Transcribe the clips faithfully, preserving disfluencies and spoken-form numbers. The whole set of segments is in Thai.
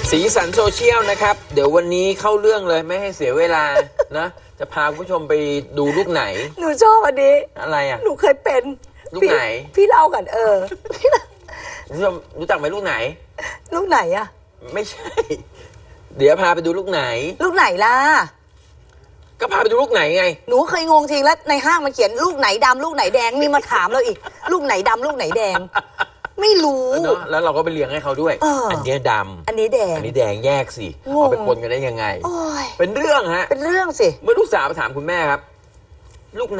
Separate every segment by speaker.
Speaker 1: สีสันโซเชียลนะครับเดี๋ยววันนี้เข้าเรื่องเลยไม่ให้เสียเวลานะจะพาคุณผู้ชมไปดูลูกไหน
Speaker 2: หนูชอบอันนี้
Speaker 1: อะไรอ่ะ
Speaker 2: หนูเคยเป็น
Speaker 1: ลูกไหน
Speaker 2: พี่เล่ากันเออ
Speaker 1: คุณผู้ชมรู้จักไหมลูกไหน
Speaker 2: ลูกไหนอ่ะ
Speaker 1: ไม่ใช่เดี๋ยวพาไปดูลูกไหน
Speaker 2: ลูกไหนล่ะ
Speaker 1: ก็พาไปดูลูกไหนไง
Speaker 2: หนูเคยงงทีแล้วในห้างมันเขียนลูกไหนดำลูกไหนแดงนี่มาถามเราอีกลูกไหนดำลูกไหนแดงไม่รู้
Speaker 1: เนาะแล้วเราก็ไปเลี้ยงให้เขาด้วย
Speaker 2: อ
Speaker 1: อันนี้ดำ
Speaker 2: อันนี้แดง
Speaker 1: อันนี้แดงแยกสิเอาไปปนกันได้ยังไงเป็นเรื่องฮะ
Speaker 2: เป็นเรื่องสิ
Speaker 1: เมื่อลูกสาวไปถามคุณแม่ครับลูกไหน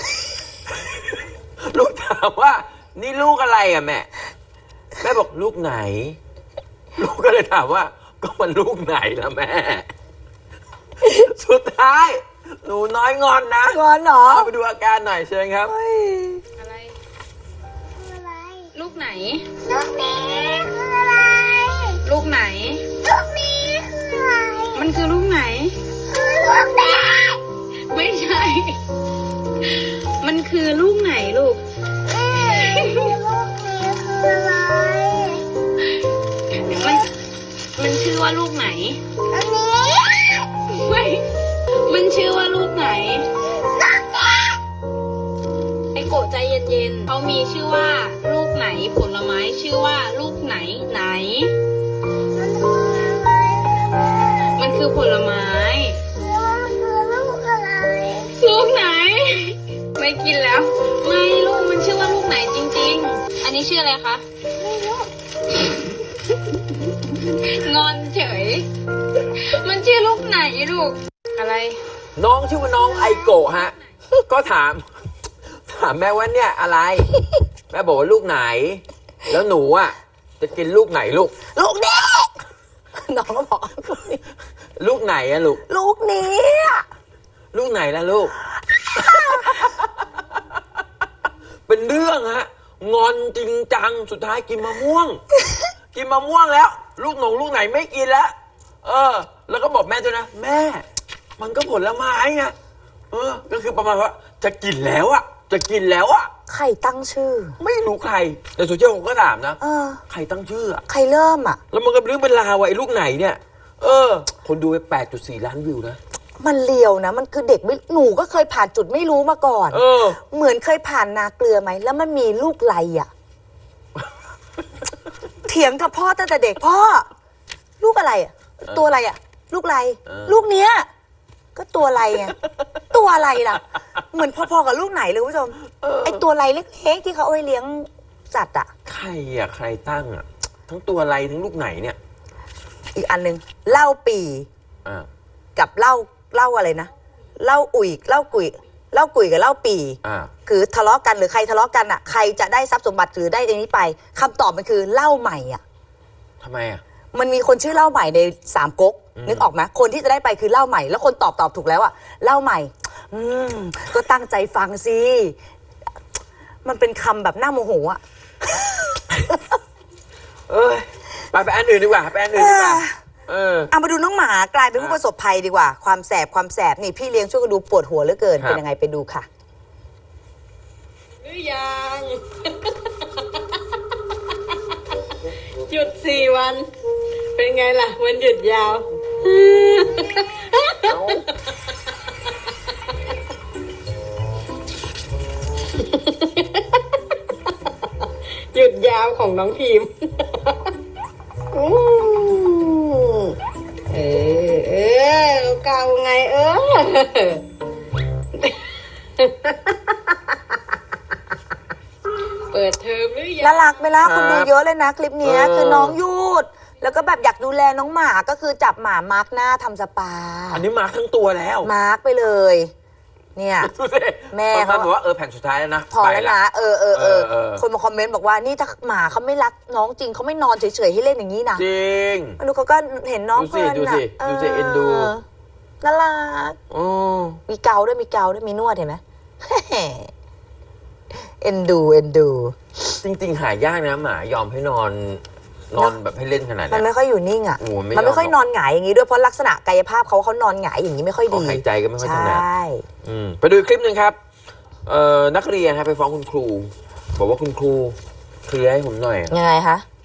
Speaker 1: ลูกถามว่านี่ลูกอะไรอ่ะแม่แม่บอกลูกไหนลูกก็เลยถามว่าก็มันลูกไหนล่ะแม่สุดท้ายหนูน้อยงอนนะ
Speaker 2: งอนเหรอ
Speaker 1: เอาไปดูอาการหน่อยเชิญครับ
Speaker 3: อะไรคืออะไรลูกไหนลูกนี้คืออะไรลูกไหนลูกนี้คืออะไรมันคือลูกไหนคือลูกแดงไม่ใช่มันคือลูกไหนลูกลูกนี้คืออะไรมันมันชื่อว่าลูกไหนอันนี้ไม่มันชื่อว่าลูกไหนไอโกะใจเย็นๆเขามีชื่อว่าลูกไหนผลไม้ชื่อว่าลูกไหนไหนมันคือผลไม้คือลูกอะไรลูกไหนไม่กินแล้วไม่ลูกมันชื่อว่าลูกไหนจริงๆอันนี้ชื่ออะไรคะไม่รู้งอนเฉยมันชื่อลูกไหนลูกอะไร
Speaker 1: น้องชื่อว่าน้องไอโกะฮะก็ถามถามแม่ว่าเนี่ยอะไรแม่บอกว่าลูกไหนแล้วหนูอ่ะจะกินลูกไหนลูก
Speaker 2: ลูกนี้น้องก็บอก
Speaker 1: ลูกไหนอะลูก
Speaker 2: ลูกนี้
Speaker 1: ลูกไหนล่ะลูก เป็นเรื่องฮะงอนจริงจังสุดท้ายกินมะม่วง กินมะม่วงแล้วลูกหนงลูกไหนไม่กินแล้วเออแล้วก็บอกแม่ด้วยนะแม่มันก็ผลไม้ไงเออก็คือประมาณว่าจะกินแล้วอะจะกินแล้วอะ
Speaker 2: ใครตั้งชื่อ
Speaker 1: ไม่รู้ใครแต่โซเชียลผมก็ถามนะ
Speaker 2: เออ
Speaker 1: ใครตั้งชื่ออะ
Speaker 2: ใครเริ่มอะ
Speaker 1: แล้วมันก็เรื่องเป็นราวไอ้ลูกไหนเนี่ยเออคนดูไป แปดจุดสี่ ล้านวิวนะ
Speaker 2: มันเลียวนะมันคือเด็กไม่หนูก็เคยผ่านจุดไม่รู้มาก่อน
Speaker 1: เออ
Speaker 2: เหมือนเคยผ่านนาเกลือไหมแล้วมันมีลูกไรอะเถียงกับพ่อตั้งแต่เด็กพ่อลูกอะไรอะตัวอะไรอะลูกไรลูกเนี้ยก็ตัวอะไรไงตัวอะไรล่ะเหมือนพอๆกับลูกไหนเลยคุณผู้ชมไอตัวอะไรเล็กๆที่เขาเอาไว้เลี้ยงสัตว์อะ
Speaker 1: ใครอะใครตั้งอะทั้งตัวอะไรทั้งลูกไหนเนี่ย
Speaker 2: อีกอันนึงเหล้าปีกับเหล้าเหล้าอะไรนะเหล้าอุ่ยเหล้ากุยเหล้ากุยกับเหล้าปีคือทะเลาะกันหรือใครทะเลาะกันอะใครจะได้ทรัพย์สมบัติหรือได้อันนี้ไปคำตอบมันคือเหล้าใหม่อะ
Speaker 1: ทำไมอะ
Speaker 2: มันมีคนชื่อเล่าใหม่ในสามก๊กนึกออกไหมคนที่จะได้ไปคือเล่าใหม่แล้วคนตอบตอบถูกแล้วอะเล่าใหม่อืมก็ตั้งใจฟังสิมันเป็นคำแบบน่าโมโหอะ
Speaker 1: เอ้ยไปไปอันอื่นดีกว่าไปอันอื่นดีกว่าเออ
Speaker 2: เอามาดูน้องหมากลายเป็นผู้ประสบภัยดีกว่าความแสบความแสบนี่พี่เลี้ยงช่วยกันดูปวดหัวเหลือเกินเป็นยังไงไปดูค่ะ
Speaker 3: หรือยังหยุดสี่วันเป็นไงล่ะวันหยุดยาวหยุดยาวของน้องพิมเออเออเก่าไงเออเปิดเทอมหรือยัง
Speaker 2: น่ารักไหมล่ะคนดูเยอะเลยนะคลิปนี้คือน้องยูดแล้วก็แบบอยากดูแลน้องหมาก็คือจับหมามาร์กหน้าทำสปา
Speaker 1: อันนี้มาร์กทั้งตัวแล้ว
Speaker 2: มาร์กไปเลยเนี่ยแม่เขา
Speaker 1: บอกว่าเออแผ่นสุดท้ายแล้วนะ
Speaker 2: พอแล้วนะเออเออเออคนมาคอมเมนต์บอกว่านี่ถ้าหมาเขาไม่รักน้องจริงเขาไม่นอนเฉยๆให้เล่นอย่างนี้นะ
Speaker 1: จริง
Speaker 2: ดูเขาก็เห็นน้องเพลิน
Speaker 1: นะดูสิเอ็นดู
Speaker 2: น่ารักมีเกาด้วยมีเกาด้วยมีนวดเห็นไหมเอ็นดูเอ็นดู
Speaker 1: จริงๆหายากนะหมายอมให้นอนนอนแบบให้เล่นขนาดนี้
Speaker 2: มันไม่ค่อยอยู่นิ่งอ่ะมันไม่ค่อยนอนหงายอย่างนี้ด้วยเพราะลักษณะกายภาพเขาเขานอนหงายอย่างนี้ไม่ค่อยดี
Speaker 1: หายใจก็ไม่ค่อยถนัดไปดูคลิปหนึ่งครับนักเรียนไปฟ้องคุณครูบอกว่าคุณครูเคลียร์ให้ผมหน่อย
Speaker 2: ยังไงคะ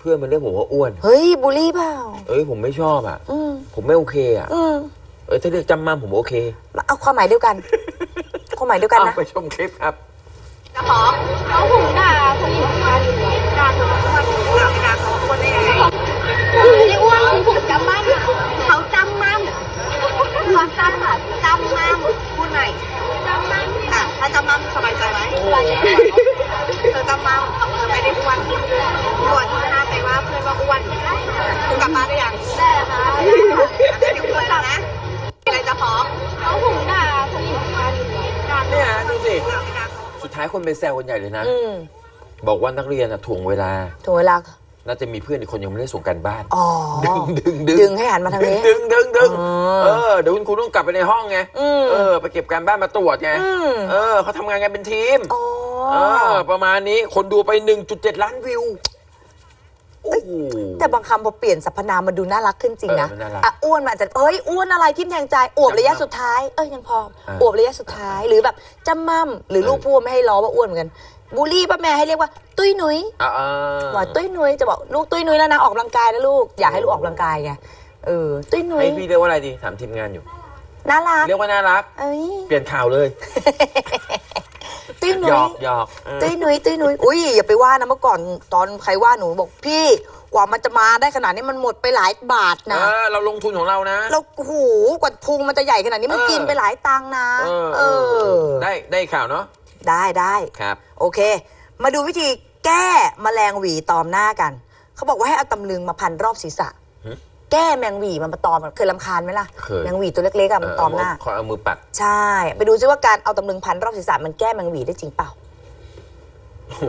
Speaker 1: เพื่อนมันเรียกผมว่าอ้วน
Speaker 2: เฮ้ยบูลลี่เปล่า
Speaker 1: เอ้ยผมไม่ชอบอ่ะ
Speaker 2: อืม
Speaker 1: ผมไม่โอเคอ่ะ
Speaker 2: อืม
Speaker 1: เออถ้าเรียกจำมั่มผมโอเค
Speaker 2: เอาความหมายเดียวกัน ความหมายเดียวกันนะ
Speaker 1: เอาไปชมคลิปครับ
Speaker 3: จะฟ้องเขาหุงด่าผู้หญิงมาอยู่ด่าเธอว่าอ้วนด่าไม่ด่าเขาอ้วนได้ยังไงไม่ได้อ้วนคือผมจำมั่มเขาจำมั่มเขาจำมั่มจำมั่มพูดใหม่จำมั่มอ่ะถ้าจำมั่มสบายใจไหมเธอจำมั่มเธอไม่ได้อ้วนอ้วนที่หน้าไปว่าเพื่อนว่าอ้วนคุณกลับบ้านได้ยังได้ค่ะไม่ได้อ้วนแล้วนะอะไรจะฟ้องเขาหุงด่าผู้หญิงมาอยู่ด่า
Speaker 1: เนี่ยดูสิ
Speaker 3: ด่าไม่ด่าเขา
Speaker 1: สุดท้ายคนไปแซวกันใหญ่เลยนะ
Speaker 2: อืม
Speaker 1: บอกว่านักเรียนอะถ่วงเวลา
Speaker 2: ถึงเวลา
Speaker 1: น่าจะมีเพื่อนอีกคนยังไม่ได้ส่งกันบ้าน
Speaker 2: อ๋อ
Speaker 1: ดึงดึงดึ
Speaker 2: ดึงให้หันมาทางนี้
Speaker 1: ดึงดึงดึง
Speaker 2: อ๋อ
Speaker 1: เออเดี๋ยวคุณครูต้องกลับไปในห้องไง
Speaker 2: อืม
Speaker 1: เออไปเก็บการบ้านมาตรวจไง
Speaker 2: อืม
Speaker 1: เออเขาทำงานกันเป็นทีม
Speaker 2: อ๋อ
Speaker 1: เออประมาณนี้คนดูไป หนึ่งจุดเจ็ด ล้านวิวโอ้โห
Speaker 2: แต่บางคำพอเปลี่ยนสรรพนามมันดูน่ารักขึ้นจริงนะ
Speaker 1: เออมันน่ารัก
Speaker 2: อ่ะอ้วนมันอาจจะเอ้ยอ้วนอะไรทิ่มแทงใจอวบระยะสุดท้ายเอ้ยยังพอ
Speaker 1: เออ
Speaker 2: อวบระยะสุดท้ายหรือแบบจำมั่มหรือ
Speaker 1: เออ
Speaker 2: ลูกพูดไม่ให้ล้อว่าอ้วนเหมือนกันบูลลี่ป้าแม่ให้เรียกว่าตุ้ยนุ้ย
Speaker 1: อ่าอ่า
Speaker 2: ว่าตุ้ยนุ้ยจะบอกลูกตุ้ยนุ้ยแล้วนะออกกำลังกายนะลูกอยากให้ลูกออกกำลังกายไงเออตุ้ยนุ้ย
Speaker 1: ให้พี่เรียกว่าอะไรดีถามทีมงานอยู่
Speaker 2: น่ารัก
Speaker 1: เรียกว่าน่ารัก
Speaker 2: เอ้ย
Speaker 1: เปลี่ยนข่าวเลย
Speaker 2: ตุ้ย
Speaker 1: ห
Speaker 2: นุ้
Speaker 1: ย
Speaker 2: ย
Speaker 1: อกหยอกเออ
Speaker 2: ตุ้ยนุ้ยตุ้ยนุ้ยอุ้ยอย่าไปว่านะเมื่อก่อนตอนใครว่าหนูบอกพี่กว่ามันจะมาได้ขนาดนี้มันหมดไปหลายบาท
Speaker 1: เอ
Speaker 2: นะ
Speaker 1: อเราลงทุนของเรานะ
Speaker 2: เราหูกว่าพุงมันจะใหญ่ขนาดนี้มัน
Speaker 1: เออ
Speaker 2: กินไปหลายตังค์นะ
Speaker 1: เออ
Speaker 2: เออ
Speaker 1: ได้ได้ข่าวเนาะ
Speaker 2: ได้ได้
Speaker 1: ครับ
Speaker 2: โอเค มาดูวิธีแก้แมลงหวีตอมหน้ากัน เขาบอกว่าให้เอาตำลึงมาพันรอบศีรษะ
Speaker 1: หึ
Speaker 2: แก้แมงหวีมันมาตอมเคยรำคาญไหมล่ะ
Speaker 1: เคย
Speaker 2: แมงหวีตัวเล็กๆอะมันตอมหน้า
Speaker 1: ขอเอามือปัด
Speaker 2: ใช่ ไปดูซิว่าการเอาตำลึงพันรอบศีรษะมันแก้แมงหวีได้จริงเปล่า
Speaker 1: โอ้โห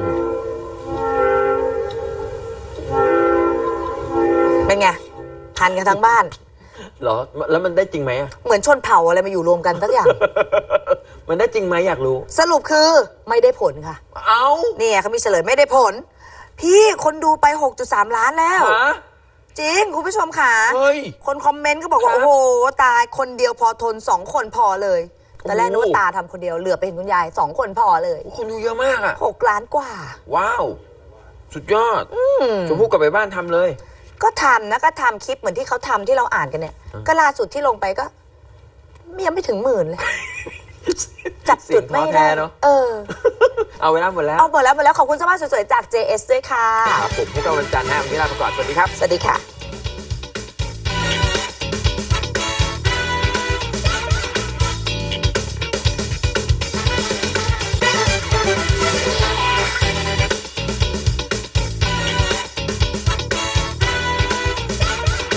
Speaker 2: เป็นไงพันกันทั้งบ้าน
Speaker 1: เหรอแล้วมันได้จริงไหมอะ
Speaker 2: เหมือนชนเผ่าอะไรมาอยู่รวมกันทั้งอย่าง
Speaker 1: มันได้จริงไหมอยากรู้
Speaker 2: สรุปคือไม่ได้ผลค่ะ
Speaker 1: เอา
Speaker 2: เนี่ยเขามีเฉลยไม่ได้ผล พี่คนดูไป หกจุดสาม ล้านแล้ว
Speaker 1: ฮะ
Speaker 2: จริง คุณผู้ชมค่ะ
Speaker 1: เฮ้ย
Speaker 2: คนคอมเมนต์ก็บอกว่า
Speaker 1: ครับ
Speaker 2: โอ้โห ตายคนเดียวพอทนสองคนพอเลยตอนแรก
Speaker 1: โอ้
Speaker 2: นึกว่าตาทำคนเดียวเหลือไปเห็นคุณยายสองคนพอเลย
Speaker 1: โอ้คนดูเยอะมากอะ
Speaker 2: หกล้านกว่า
Speaker 1: ว้าว สุดยอด
Speaker 2: อืม
Speaker 1: ชมพู่กลับไปบ้านทำเลย
Speaker 2: ก็ทำนะก็ทำคลิปเหมือนที่เขาทำที่เราอ่านกันเนี่ย ก็ล่าสุดที่ลงไปก็ยังไม่ถึงหมื่นเลย จับจุดไม่
Speaker 1: เสียงท้อแท้
Speaker 2: ได้
Speaker 1: เนอะ
Speaker 2: เออ
Speaker 1: เอาเวลาหมดแล้ว
Speaker 2: เอาหมดแล้วหมดแล้วขอบคุณสภาพสวยๆจาก เจ เอส ด้วยค่ะ
Speaker 1: ครับผมพบกันวันจันทร์นะวันนี้ลาไปก่อนสวัสดีครับ
Speaker 2: สวัสดีค่ะ